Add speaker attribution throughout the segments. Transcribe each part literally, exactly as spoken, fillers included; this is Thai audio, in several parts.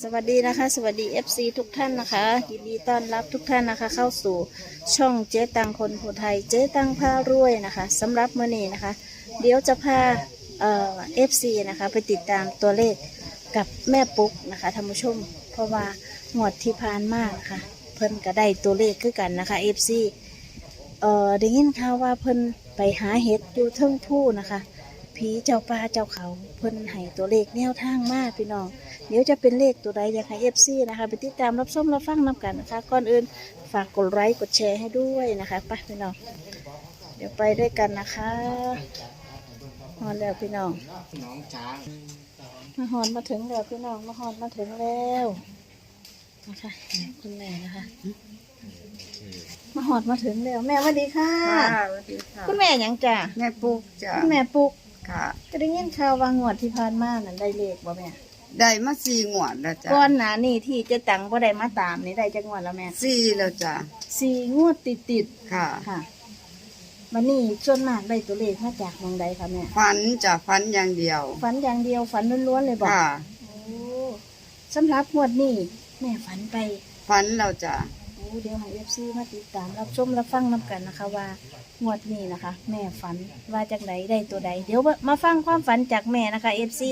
Speaker 1: สวัสดีนะคะสวัสดี เอฟ ซี ทุกท่านนะคะยินดีต้อนรับทุกท่านนะคะเข้าสู่ช่องเจ๊ตังคนผู้ไทยเจ๊ตังพารวยนะคะสำหรับมื้อนี้นะคะเดี๋ยวจะพาเอ่อ เอฟ ซี นะคะไปติดตามตัวเลขกับแม่ปุ๊กนะคะท่านผู้ชมเพราะว่างวดที่ผ่านมานะคะเพิ่นก็ได้ตัวเลขคือกันนะคะ เอฟ ซี เอ่อได้ยินข่าวว่าเพิ่นไปหาเห็ดอยู่เทิงผู้นะคะผีเจ้าป่าเจ้าเขาเพิ่นให้ตัวเลขแนวทางมาพี่น้องเดี๋ยวจะเป็นเลขตัวใดอยากให้ เอฟ ซี นะคะไปติดตามรับชมรับฟังนำกันนะคะก่อนอื่นฝากกดไลค์กดแชร์ให้ด้วยนะคะไปพี่น้องเดี๋ยวไปด้วยกันนะคะฮอนแล้วพี่น้อง
Speaker 2: น้องช้าง
Speaker 1: มาฮอนมาถึงแล้วพี่น้องมาฮอนมาถึงแล้วนะคะคุณแม่นะคะมาฮอนมาถึงแล้วแม่สวัสดีค่ะ
Speaker 3: ค่ะสวัสดีค่ะ
Speaker 1: คุณแม่หยังจ้ะ
Speaker 3: แม่ปุ๊กจ้ะ
Speaker 1: คุณแม่ปุ๊ก
Speaker 3: ค่ะ
Speaker 1: ก็ได้ยินข่าวว่างวดที่ผ่านมานั่นได้เลขบ่แม่
Speaker 3: ได้มาสี่งวดแล้วจ้ะ
Speaker 1: ก่อนหน้านี้ที่เจะตังบ่ได้มาตามนี่ได้จักงวดแล้วแม่
Speaker 3: สี่แล้วจ้ะ
Speaker 1: สี่งวดติดติด
Speaker 3: ค่ะ
Speaker 1: ๆค่ะวันนี้ส่วนมากได้ตัวเลขมาจากเมืองใดคะแม่
Speaker 3: ฟันจ้ะฟันอย่างเดียว
Speaker 1: ฝันอย่างเดียวฝันล้วนๆเลยบอก
Speaker 3: ค่ะ
Speaker 1: โอ้สำหรับงวดนี้แม่ฝันไป
Speaker 3: ฟันแล้วจ้ะ
Speaker 1: โอ้เดี๋ยวให้ เอฟ ซี มาติดตามรับชมรับฟังนำกันนะคะว่างวดนี้นะคะ แม่ฝันว่าจากไหนได้ตัวใดเดี๋ยวมาฟังความฝันจากแม่นะคะ เอฟ ซี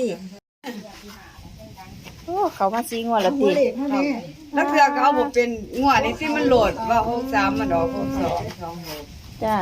Speaker 1: โอ้เขามาซีงวดแล้วติ
Speaker 3: แล้วเพื่อก็เอาบ่เป็นงวดนี้ที่มันโหลดว่าหกสามมันออกหกสองสองหก
Speaker 1: จ้า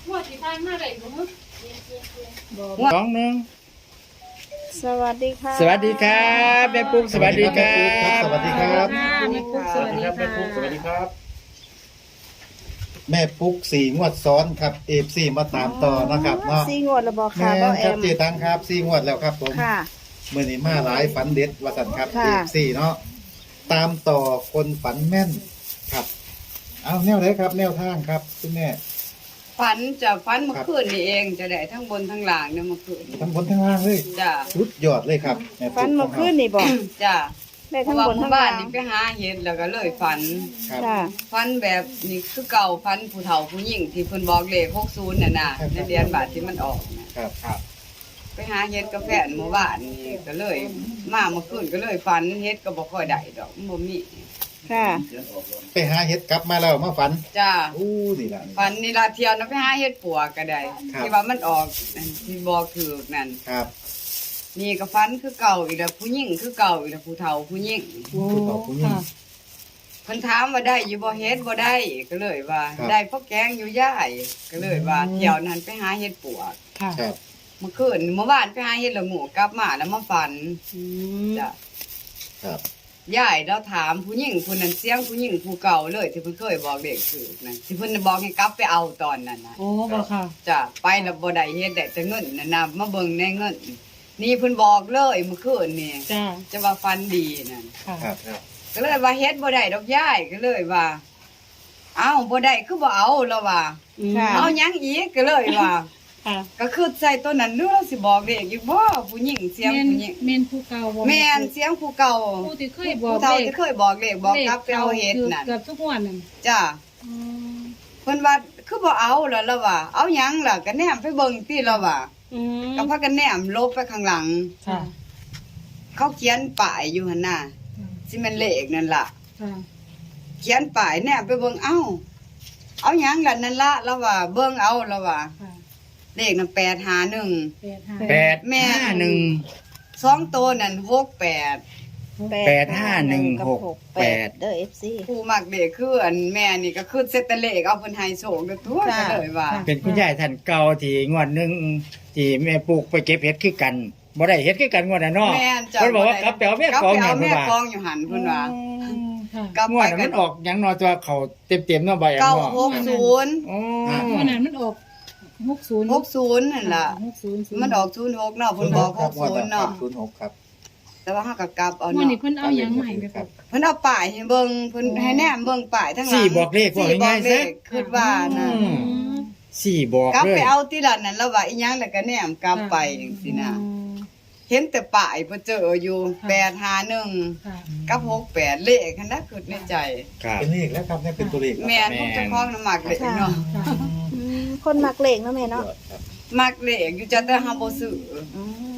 Speaker 2: สองหนึ่ง
Speaker 1: สวัสดีค่ะ
Speaker 2: สวัสดีครับแม่ปุ๊กสวัสดีครับ
Speaker 4: สวัสดีครับ
Speaker 1: แม่ปุ๊กสวัสดีค่ะ
Speaker 2: แม่ปุ๊กสวัสดีครับ
Speaker 4: แม่ปุ๊กสี่งวดซ้อนครับเอฟซีมาตามต่อนะครับเนาะ
Speaker 1: ซีงวดแล้วบอก
Speaker 4: แม่
Speaker 1: ค่ะบ่แอ
Speaker 4: ครับ
Speaker 1: ม
Speaker 4: เจตังครับสี่งวดแล้วครับผม
Speaker 1: ค่ะ
Speaker 4: เมื่อนี้มาหลายฝันเด็ดวสันครับ
Speaker 1: ค่ะ
Speaker 4: เอฟซีเนาะตามต่อคนฝันแม่นครับ เอาแนวไหนครับ แนวทางครับคุณแม่
Speaker 3: ฟันจะฟันเมื่อคืนนี่เองจะได้ทั้งบนทั้งล่างเนี่ยเมื่อคืน
Speaker 4: ทั้งบนทั้งล่างเลย
Speaker 3: จ้ะ
Speaker 4: สุดยอดเลยครับแม่
Speaker 1: ฝั
Speaker 3: Dạ.
Speaker 1: น
Speaker 4: ปุ๊ก
Speaker 1: เมื่อคืนนี่บอก
Speaker 3: จ้ะ
Speaker 1: ได้
Speaker 3: เพ
Speaker 1: ทั้
Speaker 3: ราะ
Speaker 1: ง
Speaker 3: ว่า
Speaker 1: บน
Speaker 3: ห
Speaker 1: ทั้
Speaker 3: มู่
Speaker 1: ง
Speaker 3: บ้า
Speaker 1: ล่าน ง
Speaker 3: นี่ไปหาเห็ดแล้วก็เลยฝัน
Speaker 4: ครับ
Speaker 1: ค่ะ
Speaker 3: ฟันแบบนี่คือเก่าฟันผู้เฒ่าผู้หญิงที่เพิ่นบอกเลขหกสิบน่ะน่ะในเดือนบาทที่มันออกน่ะ
Speaker 4: ครับครับ
Speaker 3: ไปหาเฮ็ดกาแฟนหมู่บ้านนี่ก็เลย มาเมื่อคืนก็เลยฝันเฮ็ดก็บ่ค่อยได้ดอกมันบ่มี
Speaker 1: ค่ะ
Speaker 4: ไปหาเห็ดกลับมาแล้วมาฝัน
Speaker 3: จ้า
Speaker 4: อู้นี่ล่ะ
Speaker 3: ฝันนี่ละเที่ยวนะไปหาเฮ็ดปัวก็ได้
Speaker 4: ครับ
Speaker 3: ที่ว่ามันออกอันที่บอกถูกนั่น
Speaker 4: ครับ
Speaker 3: นี่ก็ฝันคือเก่าอีกแล้วผู้หญิงคือเก่าอีกแล้วผู้เฒ่าผู้หญิง
Speaker 4: คุณพ่อคุณยิ่ง
Speaker 3: เพิ่นถามว่าได้อยู่บ่เฮ็ดบ่ได้ก็เลยว่า
Speaker 4: ครับ
Speaker 3: ได้เพราะแกงอยู่ย่ายก็เลยว่าเที่ยวนั้นไปหาเฮ็ดปัว
Speaker 1: ค่ะ
Speaker 4: ครับ
Speaker 3: เมื่อคืนเมื่อวานไปหาเฮ็ดละหมูกลับมาแล้วมาฝัน
Speaker 1: อืม
Speaker 3: จ้ะ
Speaker 4: ครับ
Speaker 3: ยายเราถามผู้หญิงผู้นั้นเสียงผู้หญิงผู้เก่าเลยที่เพิ่นเคยบอกเด็กคือนั่นที่เพิ่นบอกให้กลับไปเอาตอนนั้นน่ะ
Speaker 5: โอ้บ่ค่ะ
Speaker 3: จ้ะไปแล้วบ่ได้เฮ็ดได้แต่เงินนั่นน่ะมาเบิ่งในเงิน นี่เพิ่นบอกเลยเมื่อคืนนี่
Speaker 5: จ้า
Speaker 3: จะว่าฟันดีนั่น
Speaker 5: ค่ะ
Speaker 4: ครับครับ
Speaker 3: ก็เลยว่าเฮ็ดบ่ได้ดอกยายก็เลยว่าเอ้าบ่ได้คือบ่เอาแล้วว่า
Speaker 1: ค่ะ
Speaker 3: เอาหยังอีกก็เลยว่า
Speaker 5: ค่ะ
Speaker 3: ก็คือใส่ตัวนั้นหรือเราสิบอกเด็กอีกบ่ผู้หญิงเสียง
Speaker 5: แม่น
Speaker 3: ผู้หญิง
Speaker 5: แม่นผู้เก่าบ่
Speaker 3: แม่นเสียงผู้เก่า
Speaker 5: ผู้ที่เคยบอก
Speaker 3: ผู้เฒ่า
Speaker 5: เลข
Speaker 3: ที่เคยบอกเลขบอกกลับไปเอาเฮ็ดนั่น
Speaker 5: เกือบทุกวันนั่น
Speaker 3: จ้ะ
Speaker 5: อืม
Speaker 3: เพิ่นว่าคือบ่เอาแล้วล่ะว่า เอาหยังล่ะก็แนมไปเบิ่งติแล้วว่า
Speaker 5: อืม
Speaker 3: ก็พากันแนมลบไปข้างหลัง
Speaker 5: ค่ะ
Speaker 3: เขาเขียนป้ายอยู่หั่นน่ะสิแม่นเลขนั่นล่ะ
Speaker 5: ค่ะ
Speaker 3: เขียนป้ายแนมไปเบิ่งเอ้า เอาหยังล่ะนั่นล่ะแล้วว่า เบิ่งเอาแล้วว่า
Speaker 5: ค่ะ
Speaker 3: เลขนั่นแปดห้าหนึ่ง
Speaker 5: แปดห้า
Speaker 2: แปด
Speaker 3: แม่
Speaker 2: ห้าหนึ่ง
Speaker 3: สองตัวนั่นหกแปด
Speaker 2: แปดห้าหนึ่งหกแปด
Speaker 1: เด้อ เอฟ ซี
Speaker 3: ผู้มักเลขคืออันแม่นี่ก็คือเซตแต่เลขเอาเพิ่นให้โชคเด้อทั่ว
Speaker 1: ค่ะ
Speaker 3: ก็เลยว่า
Speaker 2: เป็นคุณยายท่านเก่าที่งวดหนึ่งที่แม่ปลูกไปเก็บเห็ดคือกันบ่ได้เห็ดคือกันงวดน่ะเนาะ
Speaker 3: แม่นจ้ะ
Speaker 2: เพิ่นบอกว่ากลับไปเอาแม่
Speaker 3: กลับ
Speaker 2: กอง
Speaker 3: ไป
Speaker 2: เนี่
Speaker 3: เอา
Speaker 2: ย
Speaker 3: แม่
Speaker 2: เพิ่นว่าก
Speaker 3: องอยู่หันเพิ่นว่า
Speaker 5: ค่ะ
Speaker 3: กลับ
Speaker 2: งว
Speaker 3: ไป
Speaker 2: ดน่ะ
Speaker 3: กั
Speaker 2: มัน นออกหยังเนอตัวเขาเต็มๆเนาะใบอัน
Speaker 3: เก้า
Speaker 2: เนาะ
Speaker 3: หกศูนย์
Speaker 2: อ๋อ
Speaker 5: วันนั้นมันออกหกศูนย์
Speaker 3: หกศูนย์นั่นล่ะ
Speaker 5: หกศูนย์
Speaker 3: มันออกศูนย์หกเนาะเพิ่นบอกหกศูนย์เนาะ
Speaker 4: ศูนย์หกครับ
Speaker 3: แต่ว่าเฮาก็กลับเอา
Speaker 5: วัน
Speaker 3: เนาะ
Speaker 5: นี้เพิ่นเอาหยังมาให้ไปครับ
Speaker 3: เพิ่นเอาป้ายให้เบิ่งเพิ่นให้แนมเบิ่งป้ายทั้งหลัง
Speaker 2: สี่บอกเลขว่า
Speaker 3: สี่บอ
Speaker 2: ง่าก ยๆ
Speaker 3: เล
Speaker 2: ซะ
Speaker 3: ขคิดว่านะ
Speaker 2: อืม สี่บอก
Speaker 3: กลับ
Speaker 2: เล
Speaker 3: ไป
Speaker 2: ย
Speaker 3: เอาที่ละนั่นแล้วว่าอีหยังแล้วก็แนมกลับไปจังซี่นะเห็นแต่ป้ายบ่เจออยู่แปดห้าหนึ่ง
Speaker 5: ค่ะ
Speaker 3: กับหกแปดเลขคันนั้นคิดในใจ
Speaker 2: ครับ
Speaker 4: เป็นเลขแล้วครับเนี่ยเป็นตัวเลขแล้ว
Speaker 3: แม่นผมจะคล้องน้ำหมักเลขเนาะ
Speaker 5: ค่ะ
Speaker 1: อืมคนมักเลขเนาะแม่เนาะ
Speaker 4: ครับ
Speaker 3: มักเลขอยู่จังแต่เฮาบ่ซื้อ
Speaker 1: อืม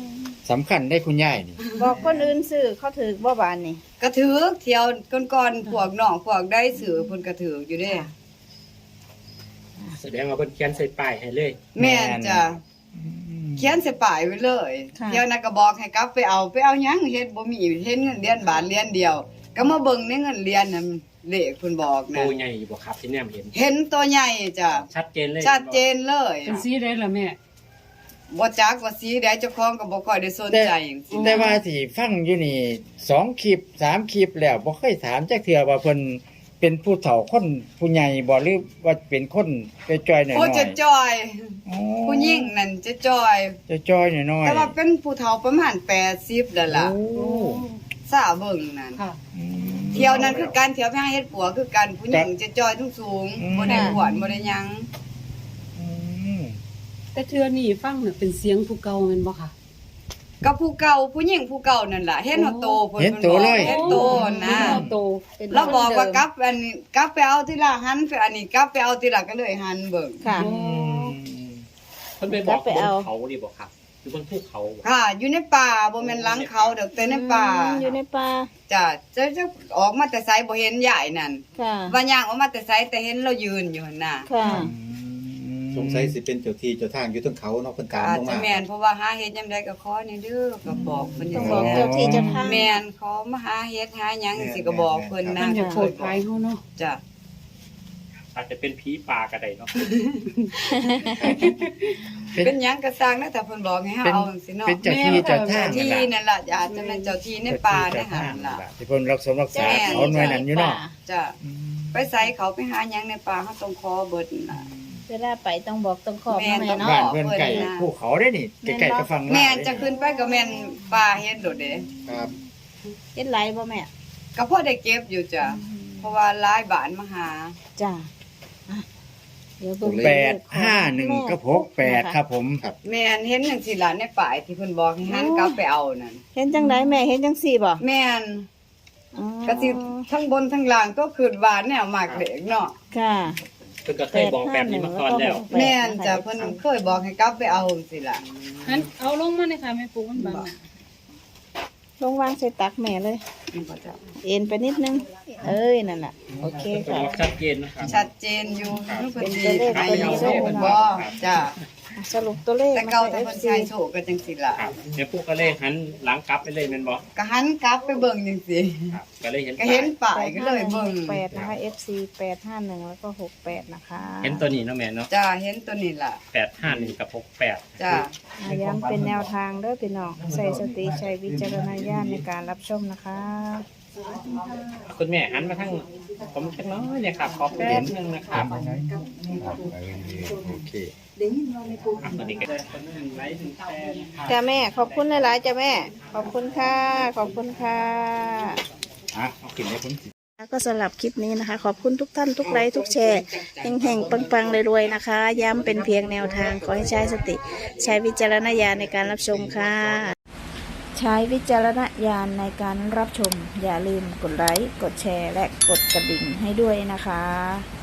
Speaker 2: สำคัญได้คุณยายนี่
Speaker 1: บอกคนอื่นซื้อเขาถือบ่บานนี่
Speaker 3: กระถือเที่ยวก่อนๆพวกน้องพวกได้สื่อเพิ่นกระถืออยู่เด้
Speaker 6: แสดงว่าเพิ่นเขียนใส่ป้ายให้เลย
Speaker 3: แม่นจ้ะเขียนใส่ป้ายไว้เลยเที่ยวนั้นก็บอกให้กลับไปเอาไปเอาหยังเฮ็ดบ่มีเห็นเงินเดือนบาทเรียนเดียว ก็มาเบิ่งในเงินเรียนน่ะเลขเพิ่นบอก
Speaker 6: โต
Speaker 3: นะ
Speaker 6: ใหญ่บ่ครับที่แนมเห็น
Speaker 3: เห็นตัวใหญ่จ้ะ
Speaker 6: ชัดเจนเลย
Speaker 3: ชัดเจนเลย
Speaker 5: เป็นสีได้ละแม่
Speaker 3: บ่จักว่าสีใดเจ้าของก็บ่ค่อยได้สนใจจังซี่
Speaker 2: แต่ว่าที่ฟังอยู่นี่สองคลิปสามคลิปแล้วบ่เคยถามจักเทื่อว่าเพิ่นเป็นผู้เฒ่าคนผู้ใหญ่บ่หรือว่าเป็นคนไปจอยหน่อย
Speaker 3: โอ้
Speaker 2: ๆ
Speaker 3: จะจอย
Speaker 2: อ๋อ
Speaker 3: ผู้หญิงนั่นจะจอย
Speaker 2: จะจอยหน่อยๆ
Speaker 3: แต่ว่าเป็นผู้เฒ่าประมาณแปดสิบแล้วล่ะ
Speaker 2: โอ้
Speaker 3: สาเบิ่งนั่น
Speaker 5: ค่ะ
Speaker 2: อืม
Speaker 3: เที่ยวนั้นคือการเที่ยวไปหาเฮ็ดปัวคือกันผู้หญิงจะจอยสูง
Speaker 2: อืม
Speaker 3: ๆบ่ได้อ้วนบ่ได้หยัง
Speaker 2: อืม
Speaker 5: แต่เทือนี่ฟังน่ะเป็นเสียงผู้เก่าแม่นบ่ค่ะ
Speaker 3: กับผู้เก่าผู้หญิงผู้เก่านั่นล่ะเห็นหัวโตเพิ่น
Speaker 2: เห็นโตเลย
Speaker 3: เห็นโตนะ
Speaker 5: เห็นโต
Speaker 1: เป็น
Speaker 3: เราบอกว่า
Speaker 1: คน
Speaker 3: ก
Speaker 1: เดิม
Speaker 3: ลับอันนี้กลับไปเอาทีละหันไปอันนี้กลับไปเอาทีละก็เลยหันเบิ่ง
Speaker 1: ค่ะ
Speaker 5: โอ้
Speaker 6: เพิ่นไปบอก
Speaker 1: ไป
Speaker 6: บน
Speaker 1: เอา
Speaker 6: เขาดิบ่ครับอยู่บนภูเขาบ่
Speaker 3: ค่ะ อยู่ในป่าบ่แม่นหลังเขาดอกแต่ในป่า
Speaker 1: อืมอยู่ในป่า
Speaker 3: จ้ะจะจะออกมาแต่ไสบ่เห็นยายนั่น
Speaker 1: ค่ะ
Speaker 3: ว่าย่างออกมาแต่ไสแต่เห็นเรายืนอยู่หั่นน่ะ
Speaker 1: ค่ะ
Speaker 4: สงสัยสิเป็นเจ้าที่เจ้าทางอยู่เทั้งเขาเนาะเพิ่นตาม
Speaker 3: อาจ
Speaker 4: ลง
Speaker 3: จะ
Speaker 4: มา
Speaker 3: แม่นเพราะว่าหาเฮ็ดยามใดก็ขอนี่เด้อก็บอกเพิ่น
Speaker 1: ต้อง
Speaker 3: จั
Speaker 1: บอก
Speaker 3: ง
Speaker 1: เจ้า
Speaker 3: ซี่
Speaker 1: ที่เจ้าทาง
Speaker 3: แม่นขอมาหาเฮ็ดหาหยังสิก็บอกเพิ่น
Speaker 5: มั
Speaker 3: นะ
Speaker 5: นจะโคตรภายเฮาเนาะ
Speaker 3: จ้ะ
Speaker 6: อาจจะเป็นผีป่าก็ได้เนาะ
Speaker 3: เป็นหยังก็สร้างนะแต่เพิ่นบอกให้เฮาเอาจังซี่เนาะ
Speaker 2: เป็นเจ้าที่เจ้าทาง
Speaker 3: ที่นั่นล่ะอาจจะเป็นเจ้าที่ในป่าในหันล่ะ
Speaker 2: ที่เพิ่นรักษารักษาเขาหน่วยนั้นอยู่เนาะ
Speaker 3: จ้ะไปใส่เขาไปหาหยังในป่าเฮาต้องขอเบิดนั่นล่ะ
Speaker 1: เวลาไปต้องบอกต้องขอบ
Speaker 3: แม่
Speaker 1: แม่
Speaker 3: น
Speaker 1: เนาะ
Speaker 2: บ้านเพิ่นไก่ภูเขาได้นี่ไก่ๆก็ฟังลาว
Speaker 3: แม่น
Speaker 2: ได้
Speaker 3: จะขึ้นไปก็แม่นป่าเฮ็ดโดดเด้
Speaker 4: ครับ
Speaker 1: เฮ็ดไรบ่แม่
Speaker 3: ก็พอได้เก็บอยู่จ้ะเพราะว่าหลายบ้านมาหา
Speaker 1: จ้าอ่ะเดี๋ยวเบิ่ง
Speaker 2: แปดห้าหนึ่งกับหกแปดครับผม
Speaker 3: แม่นเห็นจังซี่ล่ะในป่ายที่เพิ่นบอกให้หันกลับไปเอานั่น
Speaker 1: เห็นจังไดแม่เห็นจังสี่บ่
Speaker 3: แม่น
Speaker 1: อ๋อ
Speaker 3: ก็สิทั้งบนทั้งล่างก็คือหวานแนวมากเด็กเนาะ
Speaker 1: ค่ะ
Speaker 6: เพิ่นก็เคยบอกแบบนี้มาก่อนแล้ว
Speaker 3: แม่นจ้ะเพิ่นเคยบอกให้กลับไปเอาจังซี่ล่ะ
Speaker 5: หันเอาลงมาเลยค่ะแม่ปูมันบังน่ะ
Speaker 1: ลงวางใส่ตักแม่เลย
Speaker 3: นี่บ่จ้ะ
Speaker 1: เอ็นไปนิดนึง เอ้ยนั่นน่ะโอเค
Speaker 6: เพิ่นก็
Speaker 1: ค่ะ
Speaker 6: บอกชัดเจนนะครับ
Speaker 3: ชัดเจนอยู่นึกว่า
Speaker 1: เป็น
Speaker 3: สิ
Speaker 1: ตัวเลข
Speaker 3: ให้
Speaker 1: ตัวนี้
Speaker 3: เอา
Speaker 1: เลย
Speaker 3: เพิ่น
Speaker 1: เนาะ
Speaker 3: บ่จ้ะ
Speaker 1: อ่ะสรุปตัวเลข
Speaker 3: แต่เก่าแต่
Speaker 1: มา
Speaker 3: เพิ่น
Speaker 1: ให้
Speaker 3: ใช้
Speaker 1: เอฟ
Speaker 3: โช
Speaker 1: ซี
Speaker 3: คก็จังซี่ล่ะ
Speaker 6: ครับแม่ปู่ก็เลยหันหลังกลับไปเลยแม่นบ่
Speaker 3: ก็หันกลับไปเบิ่งจังซี่
Speaker 6: ครับก็เลยเห็น
Speaker 3: ก็เห็น
Speaker 6: ป้าย
Speaker 3: ป้ายก็เลยเบิ่ง
Speaker 1: แปดนะคะ เอฟ ซี แปดห้าหนึ่งแล้วก็หกแปดนะคะ
Speaker 6: เห็นตัวนี้เนาะแม่เนาะ
Speaker 3: จ้ะเห็นตัวนี้ล่ะ
Speaker 6: แปดห้าหนึ่งกับหกแปด
Speaker 3: จ้ะ
Speaker 1: อ่ะย้ำเป็นแนวทางเด้อพี่น้องใส่สติใช้วิจารณญาณในการรับชมนะคะ
Speaker 6: คุณแม่หันมาทางผมจักหน้อยเนี่ยครับขอแป๊บนึงนะครับ
Speaker 2: โอเค
Speaker 6: อ่ะตัวนี้ก็ได้คนหนึ่งไลค์หนึ่งแชร์นะครับ
Speaker 1: จ้าแม่ขอบคุณหลายๆจ้าแม่ ขอบคุณค่ะ ขอบคุณค่ะ
Speaker 2: อ่ะเอาขึ้นให้ผมสิ
Speaker 1: ก็สำหรับคลิปนี้นะคะ ขอบคุณทุกท่านทุกไลค์ทุกแชร์แห่งๆปังๆรวยๆนะคะ ย้ำเป็นเพียงแนวทางขอให้ใช้สติ ใช้วิจารณญาณในการรับชมค่ะ ใช้วิจารณญาณในการรับชม อย่าลืมกดไลค์กดแชร์และกดกระดิ่งให้ด้วยนะคะ